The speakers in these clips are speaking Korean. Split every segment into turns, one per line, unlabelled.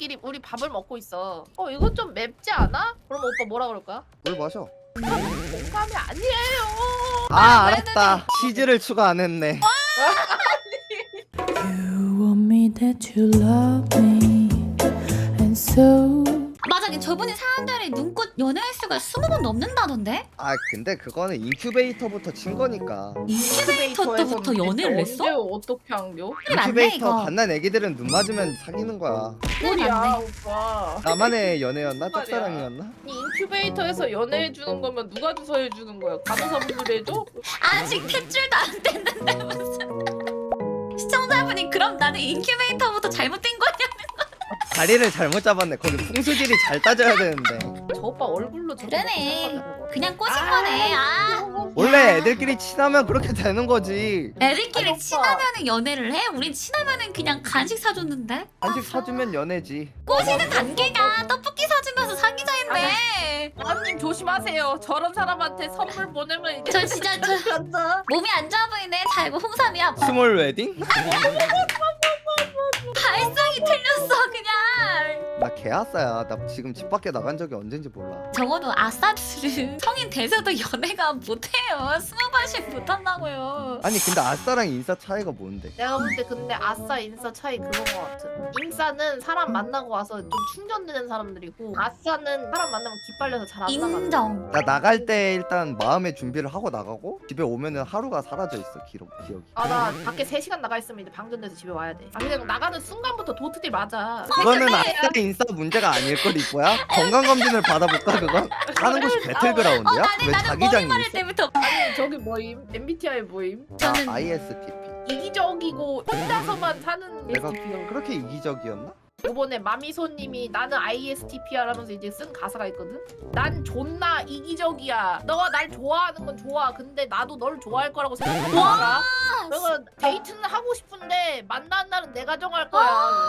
애들끼리 우리 밥을 먹고 있어. 이거 좀 맵지 않아? 그럼 오빠 뭐라 그럴 거야?
물 마셔.
공감이 아니에요.
아 알았다. 치즈를 추가 안 했네.
You want me that you love me and so
맞아, 저분이 사람들이 눈꽃 연애 횟수가 20번 넘는다던데?
아 근데 그거는 인큐베이터부터 친 거니까.
인큐베이터부터 연애를 했어?
언제 어떻게 한겨?
그게 맞네
인큐베이터
이거.
갓난 애기들은 눈 맞으면 사귀는 거야.
소리야
맞네.
오빠.
나만의 연애였나?
말이야.
짝사랑이었나?
이 인큐베이터에서 연애해 주는 거면 누가 주서 해 주는 거야? 간호사분들이 해줘?
아직 탯줄도 안 됐는데 무슨 시청자분이 그럼 나는 인큐베이터부터 잘못된 거냐?
자리를 잘못 잡았네. 거기 풍수질이 잘 따져야 되는데.
저 오빠 얼굴로 저렇게
그러네.
생각하는 거야.
그냥 꼬신 거네.
원래 애들끼리 친하면 그렇게 되는 거지.
애들끼리
오빠.
친하면은 연애를 해? 우린 친하면은 그냥 간식 사줬는데?
간식 사주면 연애지.
꼬시는 단계가 떡볶이 사주면서 사귀자인데.
아님 조심하세요. 저런 사람한테 선물 보내면 이제
저 진짜 몸이 안 좋아 보이네. 자 이거 홍삼이야.
스몰 웨딩?
발상이 틀렸어 그냥.
나 개아싸야. 나 지금 집 밖에 나간 적이 언젠지 몰라.
적어도 아싸들은 성인 돼서도 연애가 못해요. 20번씩 못한다고요.
아니 근데 아싸랑 인싸 차이가 뭔데?
내가 볼 때 근데 아싸 인싸 차이 그런 거 같아. 인싸는 사람 만나고 와서 좀 충전되는 사람들이고 아싸는 사람 만나면 기빨려서 잘 안 나가.
인정.
나 나갈 때 일단 마음의 준비를 하고 나가고 집에 오면은 하루가 사라져 있어. 기억이.
나 밖에 3시간 나가 있으면 이제 방전돼서 집에 와야 돼. 그냥 나가는 순간부터 도트딜 맞아.
그거는 아싸 인싸 문제가 아닐 걸 이거야? 건강검진을 받아볼까 그건? 하는 곳이 배틀그라운드야? 왜
나는
자기장이
머리 마를
있어?
때부터
저기 뭐임? MBTI 뭐임?
저는
ISTP.
이기적이고 혼자서만 사는
내가
STP가
그렇게 이기적이었나?
요번에 마미소님이 나는 ISTP야 라면서 이제 쓴 가사가 있거든? 난 존나 이기적이야. 너가 날 좋아하는 건 좋아. 근데 나도 널 좋아할 거라고 생각한다. 그래서 데이트는 하고 싶은데 만나는 날은 내가 정할 거야.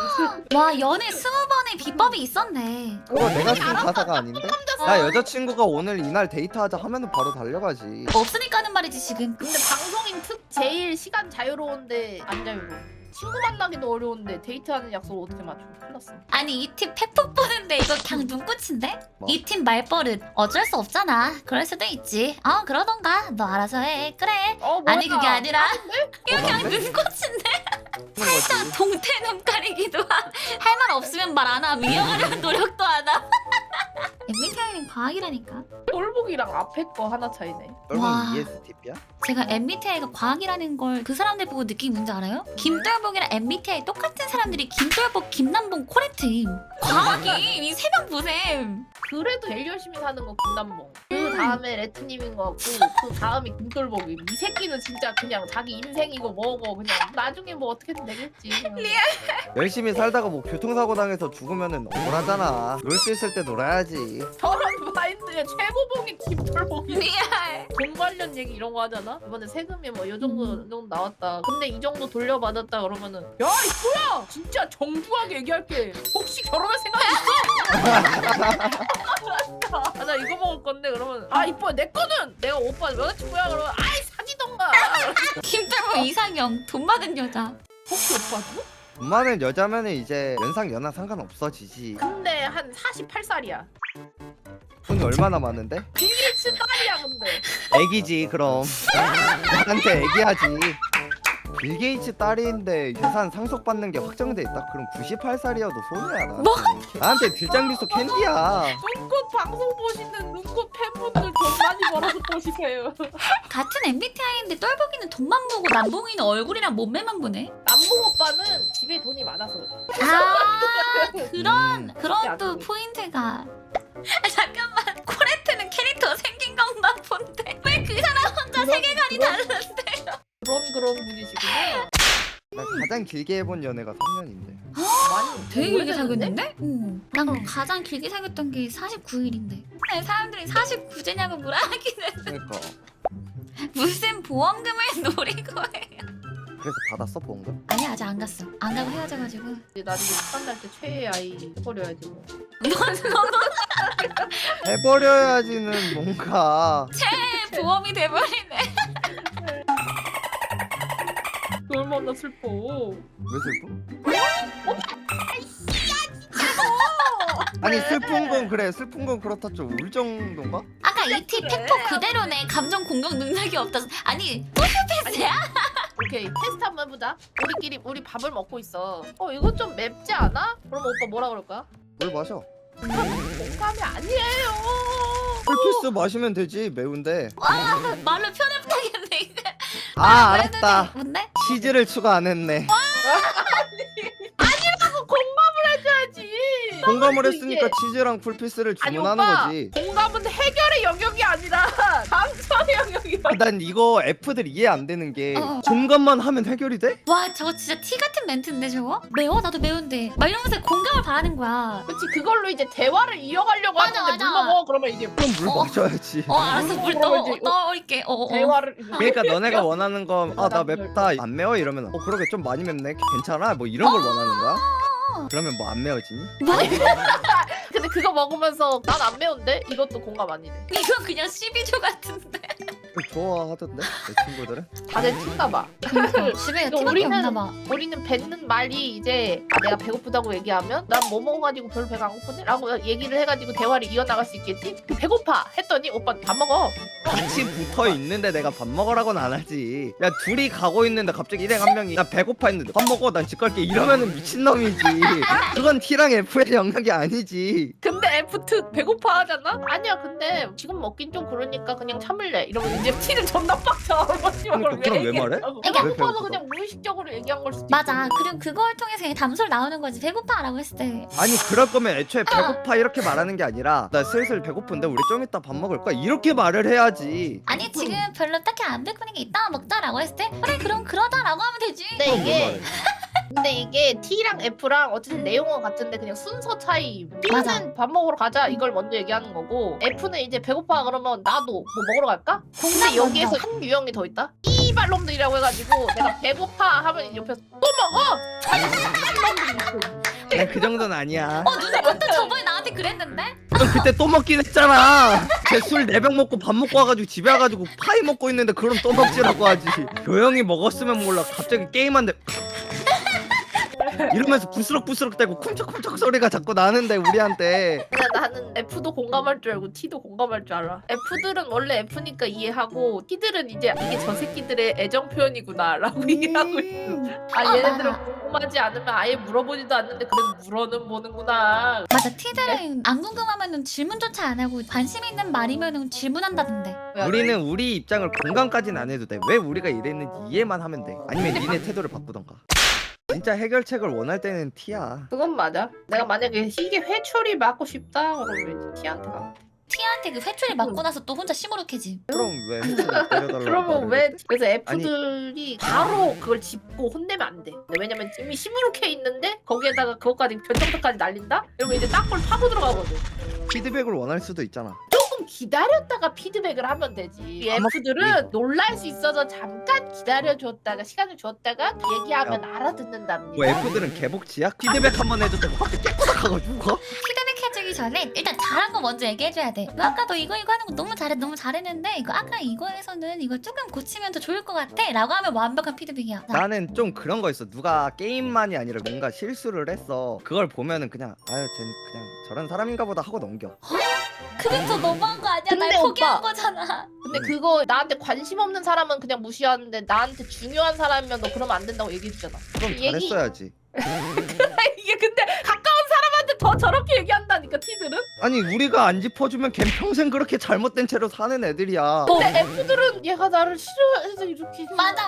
와 연애 20번의 비법이 있었네.
그거 내가 쓴 가사가 아닌데? 나 여자친구가 오늘 이날 데이트하자 하면은 바로 달려가지.
없으니까 하는 말이지 지금.
근데 방송인 특 제일 시간 자유로운데 안 자유로워. 친구 만나기도 어려운데 데이트하는 약속을 어떻게 맞춰? 큰일 났어.
아니 이 팀 팩폭 보는데 이거 그냥 눈꽃인데?
뭐?
이 팀 말버릇 어쩔 수 없잖아. 그럴 수도 있지. 그러던가 너 알아서 해. 그래.
뭐야.
아니 그게 아니라 이거 그냥
맞네?
눈꽃인데?
하는 거지.
동태 눈가리기도 할 말 없으면 말 안 함. 이어가려는 노력도 안 함. MBTI는 과학이라니까.
똘복이랑 앞에 거 하나 차이네.
와.
여러분 ESTP야?
제가 MBTI가 과학이라는 걸 그 사람들 보고 느낀 게 뭔지 알아요? 김돌복이랑 MBTI 똑같은 사람들이 김돌복, 김남봉, 코레트임. 과학이 이 세 명 보셈.
그래도 제일 열심히 사는 거 김남봉. 그 다음에 레트님인 거 같고 그 다음이 김돌복이. 이 새끼는 진짜 그냥 자기 인생이고 뭐고 그냥 나중에 뭐 어떻게든 되겠지. 그냥.
열심히 살다가 뭐 교통사고 당해서 죽으면은 억울하잖아. 놀 수 있을 때 놀아야지.
저런 마인드에 최고봉이 김돌복이.
리얼.
돈 관련 얘기 이런 거 하잖아. 이번에 세금이 뭐 이 정도 나왔다. 근데 이 정도 돌려받았다 그러면은 야 이거야 진짜 정중하게 얘기할게. 혹시 결혼할 생각 있어? 나 이거 먹을 건데 그러면 이뻐 내 거는 내가 오빠 여자친구야 그러면 사지던가.
김돌복 이상형. 돈 많은 여자.
혹시 오빠도?
돈 많은 여자면은 이제 연상 연하 상관없어지지.
근데 한 48살이야.
돈이 얼마나 많은데?
빌 게이츠 딸이야 근데.
애기지 그럼. 나한테 애기하지. 빌 게이츠 딸인데 유산 상속받는 게 확정돼 있다? 그럼 98살이어도 손해야 나.
뭐?
나한테 딜장비소 캔디야.
눈꽃 방송 보시는 눈꽃 팬분들 돈 많이 벌어서 보시세요.
같은 MBTI인데 똘복이는 돈만 보고 남봉이는 얼굴이랑 몸매만 보네.
남봉 오빠는 집에 돈이 많아서 그래.
그런 또 포인트가. 잠깐만 코레트는 캐릭터 생긴 건가 본데 왜 그 사람 혼자 세계관이 다른데?
그런 분이시구나.
나 가장 길게 해본 연애가 3년인데.
많이
되게 길게
오래됐는데?
사귀었는데? 응. 난 가장 길게 사귀었던 게 49일인데. 사람들이 49제냐고 물어하기는
그러니까.
무슨 보험금을 노리고 해요.
그래서 받았어 보험금?
아니 아직 안 갔어. 안 가고 헤어져가지고.
이제 나중에 시간 날 때 최애 아이 해버려야지 뭐.
해버려야지는 뭔가.
보험이 돼버리네.
얼마나 슬퍼.
왜 슬퍼? 아니 슬픈 건 그래 슬픈 건 그렇다 좀 울 정도인가?
아까 이티
그래.
팩토 그대로네. 감정 공격 능력이 없다서. 아니 소시오패스야?
오케이 테스트 한번 해보자. 우리 밥을 먹고 있어. 이거 좀 맵지 않아? 그럼 오빠 뭐라 그럴까?
물 마셔.
공감이 아니에요.
풀피스 마시면 되지 매운데.
말로 표현 못하겠네 이거.
아 알았다.
뭔데?
치즈를 추가 안 했네.
공감을 해줘야지.
공감을
이게-
했으니까 치즈랑 풀피스를
아니
주문하는
오빠
거지.
공감은 해결의 영역이 아니라 감정의 영역이야.
난 이거 F들 이해 안 되는 게
어.
공감만 하면 해결이 돼?
와 저거 진짜 티 같은 멘트인데 저거? 매워? 나도 매운데 막 이러면서 공감을 바라는 거야.
그렇지 그걸로 이제 대화를 이어가려고
맞아,
하는데
맞아.
물 먹어 그러면 이제
그럼 물 마셔야지.
알았어 물
그러면 이제
넣을게.
대화를
그러니까 너네가 원하는 건 아 나 맵다 안 매워 이러면 그러게 좀 많이 맵네 괜찮아 뭐 이런 걸 원하는 거야? 그러면 뭐 안 매워지니?
근데 그거 먹으면서 난 안 매운데 이것도 공감 아니네.
이거 그냥 12조 같은데.
좋아하던데 내 친구들은?
다들 튄가 봐.
집에
이거
티밖에 없나 봐.
우리는 뱉는 말이 이제 내가 배고프다고 얘기하면 난 뭐 먹어가지고 별로 배가 안 고프네? 라고 얘기를 해가지고 대화를 이어나갈 수 있겠지? 배고파! 했더니 오빠 밥 먹어.
같이 붙어 있는데 내가 밥 먹으라고는 안 하지. 야 둘이 가고 있는데 갑자기 일행 한 명이 나 배고파 했는데 밥 먹어 난 집 갈게 이러면은 미친놈이지. 그건 T랑 F의 영역이 아니지.
근데 F2 배고파 하잖아? 아니야 근데 지금 먹긴 좀 그러니까 그냥 참을래. 이러면 이제 T는 존나 빡쳐.
그러니까 그럼 왜 말해?
배고파서
왜 배고프다?
그냥 무의식적으로 얘기한 걸 수도
맞아.
있고.
그리고 그걸 통해서 그냥 담소를 나오는 거지. 배고파라고 했을 때.
아니 그럴 거면 애초에 배고파 이렇게 말하는 게 아니라 나 슬슬 배고픈데 우리 좀 이따 밥 먹을 거야 이렇게 말을 해야지.
아니 지금 별로 딱히 안 배고픈 게 이따가 먹자라고 했을 때 그래 그럼 그러자라고 하면 되지.
근데
그럼
이게
뭘 말해?
근데 이게 T랑 F랑 어쨌든 내용은 같은데 그냥 순서 차이.
맞아.
T는 밥 먹으러 가자 이걸 먼저 얘기하는 거고 F는 이제 배고파 그러면 나도 뭐 먹으러 갈까? 근데 여기에서
먼저.
한 유형이 더 있다. 이발놈들이라고 해가지고 내가 배고파 하면 옆에서 또 먹어.
난 그 정도는 아니야.
누나 그때 저번에 나한테 그랬는데?
넌 그때 또 먹긴 했잖아. 쟤 술 4병 먹고 밥 먹고 와가지고 집에 와가지고 파이 먹고 있는데 그럼 또 먹지라고 하지. 조용히 먹었으면 몰라. 갑자기 게임한데 이러면서 부스럭부스럭 대고 쿵척쿵척 소리가 자꾸 나는데 우리한테.
근데 나는 F도 공감할 줄 알고 T도 공감할 줄 알아. F들은 원래 F니까 이해하고 T들은 이제 이게 저 새끼들의 애정 표현이구나라고 이해하고 있어. 아 얘네들은 궁금하지 않으면 아예 물어보지도 않는데 그래도 물어는 보는구나.
맞아. 티들은 안 궁금하면은 질문조차 안 하고 관심 있는 말이면은 질문한다던데.
우리는 우리 입장을 공감까지는 안 해도 돼. 왜 우리가 이랬는지 이해만 하면 돼. 아니면 니네 태도를 바꾸던가. 진짜 해결책을 원할 때는 T야.
그건 맞아. 내가 만약에 이게 회초리 맞고 싶다 그러면 이제 T한테 가.
티한테 그 회초리 맞고 나서 또 혼자 시무룩해지.
그럼 왜 해결을 때려달라고
그러면
말을
왜
했대?
그래서 F들이 바로 그걸 짚고 혼내면 안 돼. 왜냐면 이미 시무룩해 있는데 거기에다가 그것까지 변정도까지 날린다? 이러면 이제 딱볼 파고 들어가거든.
피드백을 원할 수도 있잖아.
조금 기다렸다가 피드백을 하면 되지. 이
아마
F들은 놀랄 수 있어서 잠깐 기다려줬다가 시간을 줬다가 얘기하면 알아듣는답니다.
뭐 F들은 개복치야? 피드백 한 번 해줬다고 확 깨끗하고 죽어?
피드백 해주기 전에 일단 잘한 거 먼저 얘기해줘야 돼. 너 아까 너 이거 하는 거 너무 잘했는데 이거 아까 이거에서는 이거 조금 고치면 더 좋을 것 같아 라고 하면 완벽한 피드백이야.
나는 좀 그런 거 있어. 누가 게임만이 아니라 뭔가 실수를 했어. 그걸 보면은 그냥 아유 쟤 그냥 저런 사람인가 보다 하고 넘겨.
그게 더 너무한 거 아니야?
근데
날 포기한
오빠.
거잖아.
근데 그거 나한테 관심 없는 사람은 그냥 무시하는데 나한테 중요한 사람이면 너 그러면 안 된다고 얘기해주잖아.
그럼
얘기-
잘했어야지.
이게 근데 가까운 사람한테 더 저렇게 얘기한다니까 T들은?
아니 우리가 안 짚어주면 걘 평생 그렇게 잘못된 채로 사는 애들이야.
근데 F들은 얘가 나를 싫어해서 이렇게
맞아.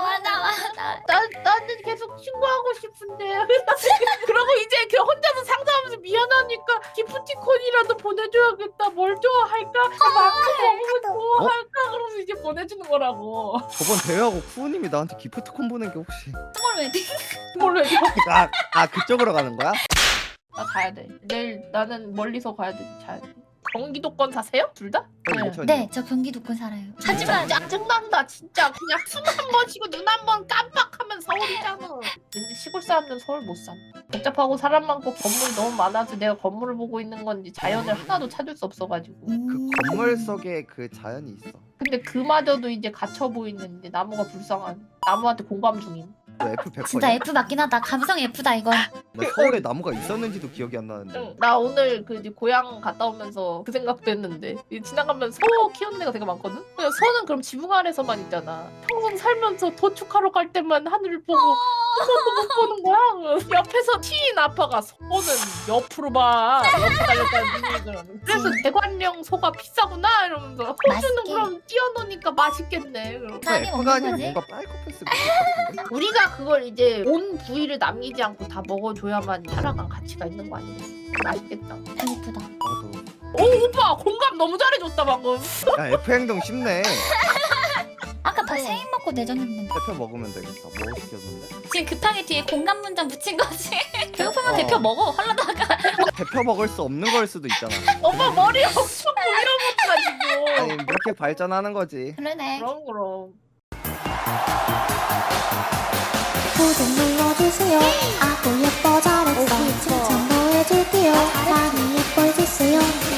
나는 계속 친구하고 싶은데 그러고 이제 그 혼자서 상상하면서 미안하니까 기프티콘이라도 보내줘야겠다. 뭘 좋아할까? 만큼 먹으면 좋아할까? 그러면서 이제 보내주는 거라고.
저번 대회하고 쿠우님이 나한테 기프트콘 보낸 게 혹시
스몰 웨딩.
뭘로 해?
아 그쪽으로 가는 거야?
나 가야 돼. 내일 나는 멀리서 가야 돼. 자야 돼. 경기도권 사세요? 둘 다?
네, 저 경기도권 살아요. 하지만
짜증난다 진짜. 그냥 숨 한 번 쉬고 눈 한 번 깜빡하면 서울이잖아. 왠지 시골 사람들은 서울 못 사. 복잡하고 사람 많고 건물이 너무 많아서 내가 건물을 보고 있는 건지 자연을 하나도 찾을 수 없어가지고.
그 건물 속에 그 자연이 있어.
근데 그마저도 이제 갇혀 보이는 이제 나무가 불쌍한 나무한테 공감 중임.
너 F 100%냐?
진짜 F 맞긴 하다. 감성 F다 이건.
나 서울에 나무가 있었는지도 기억이 안 나는데.
응, 나 오늘 그 이제 고향 갔다 오면서 그 생각도 했는데 이 지나가면 소 키우는 데가 되게 많거든? 그냥 소는 그럼 지붕 아래서만 있잖아. 평생 살면서 도축하러 갈 때만 하늘을 보고 한 번도 못 보는 거야. 옆에서 튀인 아빠가 소는 옆으로 봐. 옆에 달렸다는 얘기를. 그래서 대관령 소가 비싸구나 이러면서 소주는
맛있게.
그럼 띄워놓으니까 맛있겠네. 그럼.
감이
F가
없는
아니라
거지?
뭔가 사이코패스 같은데?
우리가 그걸 이제 온 부위를 남기지 않고 다 먹어줘야만 살아간 가치가 있는 거 아니겠어? 맛있겠다.
배고프다.
나도.
오 오빠 공감 너무 잘해줬다 방금.
야 F 행동 쉽네.
아까 밥 세입 먹고 내줬는데.
대표 먹으면 되겠다. 뭐 시켰는데?
지금 급하게 뒤에 공감 문장 붙인 거지. 배고프면
어.
대표 먹어. 헐라다가.
대표 먹을 수 없는 걸 수도 있잖아.
오빠 머리 엄청 밀어붙어가지고.
아니 이렇게 발전하는 거지.
그러네.
그럼.
구독 눌러주세요. 아구 예뻐 잘했어. 칭찬도 해줄게요. 많이 예뻐해주세요.